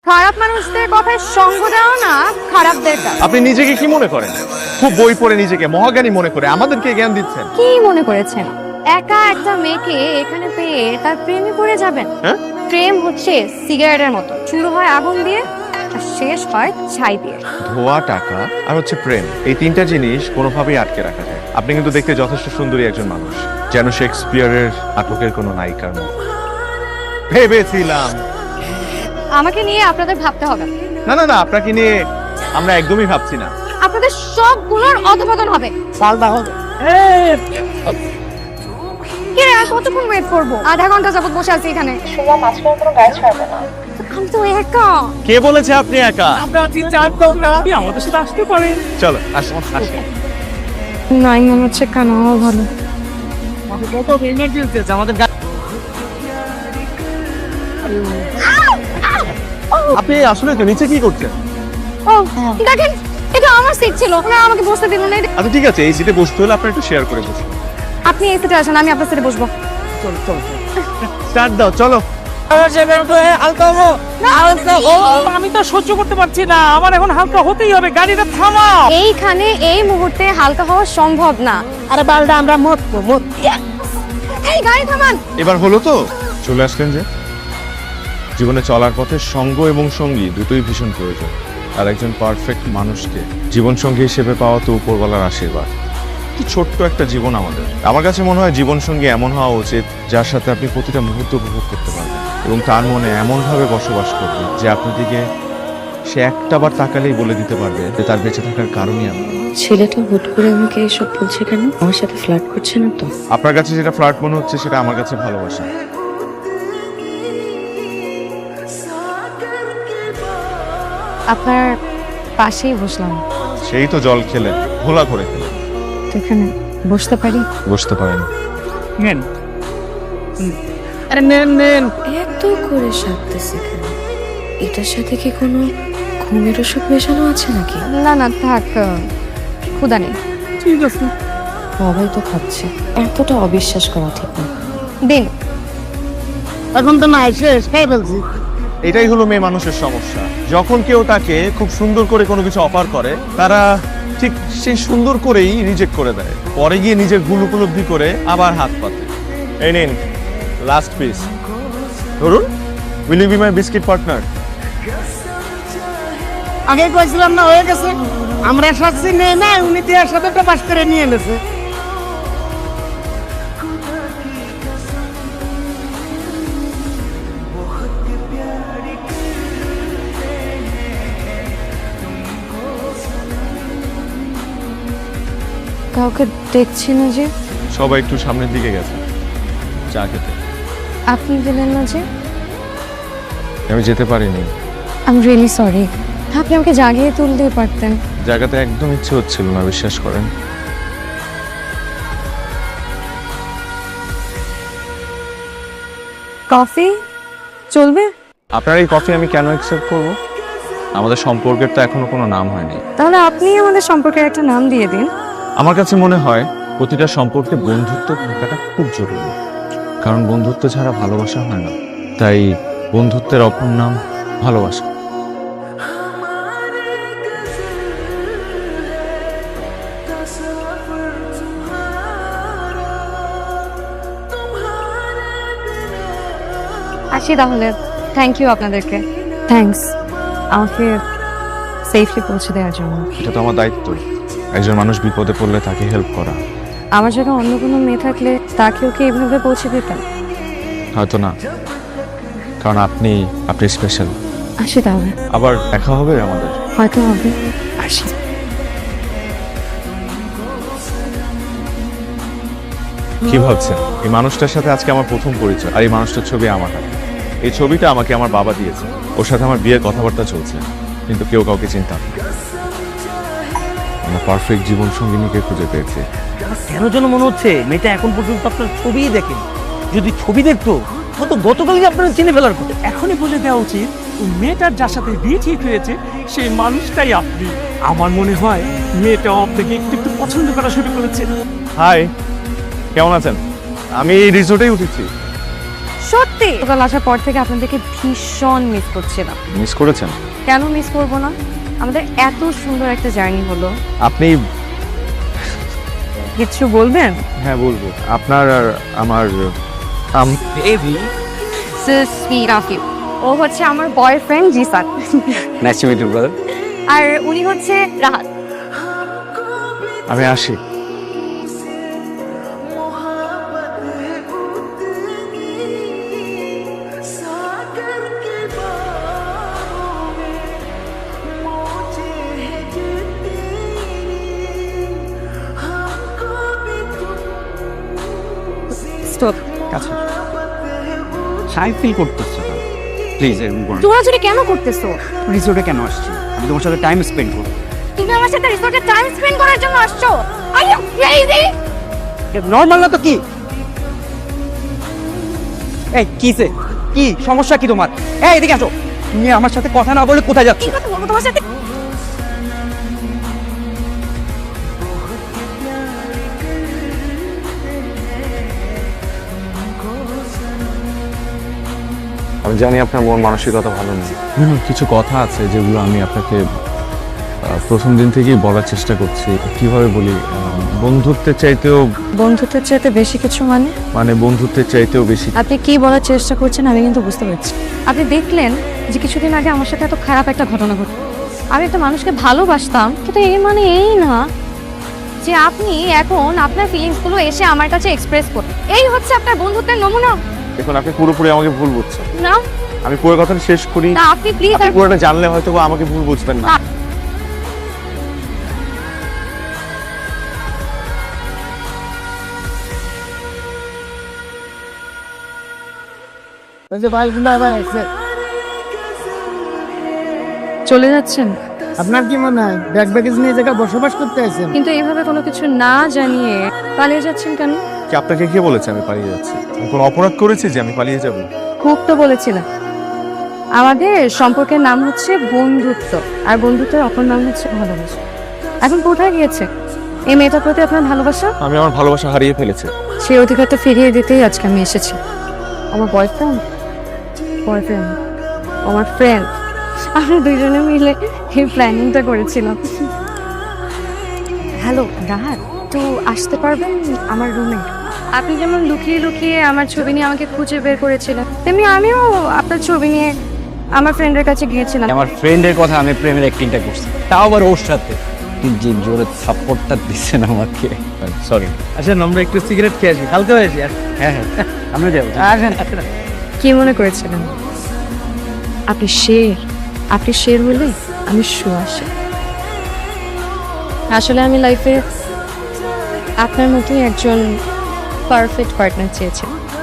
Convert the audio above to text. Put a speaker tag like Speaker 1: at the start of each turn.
Speaker 1: খারাপ মানুষদের কথায় সঙ্গ দেওয়া না খারাপদের কাজ।
Speaker 2: আপনি নিজেকে কি মনে করেন? খুব বই পড়ে নিজেকে মহাজ্ঞানী মনে করে আমাদেরকে জ্ঞান দিচ্ছেন।
Speaker 1: কি মনে করেছেন একা একটা মেয়েকে এখানে পেয়ে তার প্রেমে পড়ে যাবেন?
Speaker 2: হ্যাঁ?
Speaker 1: প্রেম হচ্ছে সিগারেটের মতো, শুরু হয় আগুন দিয়ে আর শেষ হয় ছাই দিয়ে।
Speaker 2: ধোয়া, টাকা আর হচ্ছে প্রেম, এই তিনটা জিনিস কোনোভাবেই আটকে রাখা যায়। আপনি কিন্তু দেখতে যথেষ্ট সুন্দরী একজন মানুষ, যেন শেক্সপিয়ারের নাটকের কোনো নায়িকার মতো। ভেবেছিলাম।
Speaker 1: আমাকে নিয়ে আপনাদের ভাবতে হবে না।
Speaker 2: না না না, আপনাকে নিয়ে আমরা একদমই ভাবছি না।
Speaker 1: আপনাদের সবগুলোর অধপতন হবে।
Speaker 3: পাল্টা হবে।
Speaker 1: কে রে, আর কতক্ষণ ওয়েট করবো? আধা ঘন্টা যাবত বসে আছি এখানে।
Speaker 4: সোমা মাঝখানে কোনো গায়ে ছাড়বে না।
Speaker 1: আমি তো একা।
Speaker 2: কে বলেছে আপনি একা?
Speaker 3: আমরা তিন-চারজন না, আপনি আমাদের সাথে আসতে পারেন।
Speaker 2: চলো আসুন আসুন।
Speaker 1: নাই মনে হচ্ছে কেন ভালো।
Speaker 3: কত এমার্জেন্সি আছে আমাদের
Speaker 2: আপনি আসলে নিচে কি করছেন?
Speaker 1: ও দেখেন, এটা আমার সিট ছিল, ওরা আমাকে বসতে দিল না।
Speaker 2: আচ্ছা ঠিক আছে, এই সিটে বসতে হলে আপনার একটু শেয়ার করে বসুন।
Speaker 1: আপনি এই সিটে আসেন, আমি আপনার সিটে বসবো।
Speaker 2: স্টার্ট দাও, চলো।
Speaker 3: আমি তো সহ্য করতে পারছি না, আমার এখন হালকা হতেই হবে। গাড়িটা থামাও।
Speaker 1: এইখানে এই মুহূর্তে হালকা হওয়া সম্ভব না।
Speaker 3: আরে বালটা আমরা মত
Speaker 1: এই গাড়ি থামান।
Speaker 2: এবার হলো তো? চলে আসলেন যে। জীবনে চলার পথে সঙ্গ এবং সঙ্গী দুটোই ভীষণ প্রয়োজন। আর একজন পারফেক্ট মানুষকে জীবন সঙ্গী হিসেবে পাওয়া তো উপরওয়ালার আশীর্বাদ। কি ছোট্ট একটা জীবন আমাদের। আমার কাছে মনে হয় জীবন সঙ্গী এমন হওয়া উচিত যার সাথে আপনি প্রতিটা মুহূর্ত উপভোগ করতে পারবেন এবং তার মনে এমনভাবে বসবাস করবেন যে আপনার দিকে সে একটাবার তাকালেই বলে দিতে পারবে যে তার বেঁচে থাকার কারণই আপনি।
Speaker 4: ছেলেটা হুট করে আমাকে এসব বলছে কেন? আমার সাথে ফ্লার্ট করছে না তো?
Speaker 2: আপনার কাছে যেটা ফ্লার্ট মনে হচ্ছে সেটা আমার কাছে ভালোবাসা।
Speaker 1: আপনার পাশেই বসলাম।
Speaker 2: সেই তো জল খেলেন, ঘোলা করে খেলেন।
Speaker 1: তো এখানে বসতে পারি?
Speaker 2: বসতে পারেন।
Speaker 3: নেন। আরে নেন নেন।
Speaker 4: এত করে সাজতেছে কেন? এটার সাথে কি কোনো ঘুমের ওষুধ মেশানো আছে নাকি?
Speaker 1: না না থাক, ক্ষুধা নেই।
Speaker 3: ঠিক আছে।
Speaker 4: সবাই তো খাচ্ছে, এতটা অবিশ্বাস করা ঠিক না।
Speaker 1: দিন।
Speaker 3: এখন তো না শেষ খাই ফেলছি।
Speaker 2: এটাই হলো মেয়ে মানুষের সমস্যা। যখন কেউ তাকে খুব সুন্দর করে কোনো কিছু অফার করে, তারা ঠিক সেই সুন্দর করেই রিজেক্ট করে দেয়। পরে গিয়ে নিজের ভুল উপলব্ধি করে আবার হাত পাতে। এই নিন লাস্ট পিস, ধরুন। Will you be my biscuit partner?
Speaker 3: আগে কইছিলাম না, হয়ে গেছে। আমরা সাথে নেই না, উনি দিয়ে সাথে পাস করে নিয়ে এনেছে।
Speaker 1: কাউকে দেখছি না যে।
Speaker 2: সবাই একটু সামনের দিকে গেছে চা খেতে।
Speaker 1: আপনি গেলেন না যে?
Speaker 2: আমি যেতে পারিনি।
Speaker 1: I am really sorry. আপনি আমাকে জাগিয়ে তুলতে পারতেন।
Speaker 2: জায়গাতে একদম ইচ্ছে হচ্ছিল না, বিশ্বাস করেন।
Speaker 1: কফি চলবে?
Speaker 2: আপনার এই কফি আমি কেন অ্যাকসেপ্ট করব? আমাদের সম্পর্কের তো এখনো কোনো নাম হয়নি।
Speaker 1: তাহলে আপনি আমাদের সম্পর্কের একটা নাম দিয়ে দিন।
Speaker 2: আমার কাছে মনে হয় প্রতিটা সম্পর্কে বন্ধুত্ব থাকাটা খুব জরুরি, কারণ বন্ধুত্ব ছাড়া ভালোবাসা হয় না। তাই বন্ধুত্বের অপর নাম ভালোবাসা।
Speaker 1: আসি তাহলে। থ্যাংক ইউ আপনাদেরকে। থ্যাঙ্কস আমাকে সেফলি পৌঁছে দেওয়ার জন্য।
Speaker 2: এটা তো আমার দায়িত্ব, একজন মানুষ বিপদে পড়লে তাকে হেল্প করা।
Speaker 1: আমার জায়গায় অন্য কোনো মেয়ে থাকলে তাকে ওকে এইভাবে পৌঁছে দিতাম?
Speaker 2: হয়তো না, কারণ আপনি স্পেশাল।
Speaker 1: আসি তাহলে।
Speaker 2: আবার দেখা হবে আমাদের।
Speaker 1: হয়তো হবে। আসি।
Speaker 2: কি ভাবছেন? এই মানুষটার সাথে আজকে আমার প্রথম পরিচয়, আর এই মানুষটার ছবি আমার হাতে। এই ছবিটা আমাকে আমার বাবা দিয়েছে। ওর সাথে আমার বিয়ের কথাবার্তা চলছে, কিন্তু কেউ কাউকে চিনতাম না। আমার পারফেক্ট জীবন সঙ্গিনীকে খুঁজে পেয়েছে।
Speaker 5: কেন যেন মনে হচ্ছে মেয়েটা এখন পর্যন্ত আপনার ছবিই দেখেন। যদি ছবি দেখতো তো গতকালই আপনারা চিনে ফেলার কথা।
Speaker 3: এখনই বলে দেওয়া উচিত ওই মেয়েটার যার সাথে বিয়ে ঠিক হয়েছে সেই মানুষটাই আপনি। আমার মনে হয় মেয়েটা আপনাকে একটু একটু পছন্দ করা শুরু করেছে।
Speaker 2: হাই, কেমন আছেন? আমি এই রিসোর্টেই উঠেছি।
Speaker 1: সত্যি সকাল আসার পর থেকে আপনাদেরকে ভীষণ মিস করছিলাম।
Speaker 2: মিস করেছেন?
Speaker 1: কেন মিস করবো না? আমাদের এত সুন্দর একটা জার্নি হলো।
Speaker 2: আপনি
Speaker 1: কিছু বলবেন?
Speaker 2: হ্যাঁ বলবো। আপনার আর আমার
Speaker 5: বেবি
Speaker 1: সুইট অফ ইউ। ও হচ্ছে আমার boyfriend Jisan,
Speaker 5: nice to meet you brother.
Speaker 1: আর উনি হচ্ছে রাহাত।
Speaker 2: আমি আসি।
Speaker 1: স্টপ।
Speaker 5: আচ্ছা শাই ফিল করতেছো না, প্লিজ এরকম করো না।
Speaker 1: চোরাচুরি কেন করতেছো?
Speaker 5: রিসোর্টে কেন আসছি? আমি তোমার সাথে টাইম স্পেন্ড করব।
Speaker 1: তুমি আমার সাথে রিসোর্টে টাইম স্পেন্ড করার জন্য আসছো? Are you crazy?
Speaker 5: নর্মাল না তো কি? এই কিসে কি সমস্যা কি তোমার? এই এদিকে আসো। তুমি আমার সাথে কথা না বলে কোথায় যাচ্ছ?
Speaker 1: কি কথা বলবো তোমার সাথে?
Speaker 2: আমি জানি আপনার মন মানসিকতা ভালো নেই। কিছু কথা আছে যেগুলো আমি আপনাকে প্রথম দিন থেকেই বলার চেষ্টা করছি। কিভাবে বলি, বন্ধুত্বের চাইতেও
Speaker 1: বন্ধুত্বের চাইতে বেশি কিছু মানে
Speaker 2: বন্ধুত্বের চাইতেও বেশি।
Speaker 1: আপনি কি বলার চেষ্টা করছেন আমি কিন্তু বুঝতে পারছি। আপনি দেখলেন যে কিছুদিন আগে আমার সাথে এত খারাপ একটা ঘটনা ঘটল। আমি একটা মানুষকে ভালোবাসতাম, কিন্তু এর মানে এই না যে আপনি এখন আপনার ফিলিংসগুলো এসে আমার কাছে এক্সপ্রেস করুন। এই হচ্ছে আপনার বন্ধুত্বের নমুনা।
Speaker 2: দেখুন, আপনি পুরোপুরি আমাকে ভুল বুঝছেন।
Speaker 1: না
Speaker 2: আমি পুরো কথাটা শেষ করি।
Speaker 1: না, আপনি প্লিজ
Speaker 2: আপনি পুরোটা জানলে হয়তো বা আমাকে ভুল বুঝবেন না।
Speaker 1: চলে যাচ্ছেন?
Speaker 6: আপনার কি মনে হয় ব্যাগ ব্যাগেজ নিয়ে জায়গায় বসবাস করতে আছেন?
Speaker 1: কিন্তু এইভাবে কোনো কিছু না জানিয়ে পালিয়ে যাচ্ছেন কেন?
Speaker 2: কি আপনাকে কে বলেছে আমি পালিয়ে যাচ্ছি? আমি কোনো অপরাধ করেছি যে আমি পালিয়ে যাব?
Speaker 1: খুব তো বলেছিলাম। আমাদের সম্পর্কের নাম হচ্ছে বন্ধুত্ব, আর বন্ধুত্বের অপর নাম হচ্ছে ভালোবাসা। এখন কোথায় গিয়েছে এই মেয়েটার প্রতি আপনার ভালোবাসা?
Speaker 2: আমি আমার ভালোবাসা হারিয়ে ফেলেছি।
Speaker 1: সেই অধিকারটা ফিরিয়ে দিতেই আজকে আমি এসেছি। আমার বয়ফ্রেন্ড আমার ফ্রেন্ড, আমরা দুইজনে মিলে এই প্ল্যানিংটা করেছিলাম। হ্যালো রাহাত, একটু আসতে পারবেন আমার রুমে? আপনি যেমন লুকিয়ে লুকিয়ে আমার ছবি নিয়ে আমাকে খুঁজে বের করেছিলেন, তেমনি আমিও আপনার ছবি নিয়ে আমার ফ্রেন্ডের কাছে গিয়েছিলাম।
Speaker 5: আমার ফ্রেন্ডের কথা আমি প্রেমের অ্যাক্টিংটা করছি, তাও আবার ওর সাথে। যে জোরে সাপোর্টটা দিচ্ছেন আমাকে, সরি।
Speaker 6: আসেন আমরা একটু সিগারেট খেয়ে আসি, হালকা হয়ে আসি।
Speaker 5: হ্যাঁ হ্যাঁ আমরা যাবো।
Speaker 6: আসেন।
Speaker 1: কি মনে করেছিলেন আপনি শের হলে আমি শুয়াশে? আসলে আমি লাইফে আপনার মতোই একজন পারফেক্ট পার্টনার চেয়েছিলাম।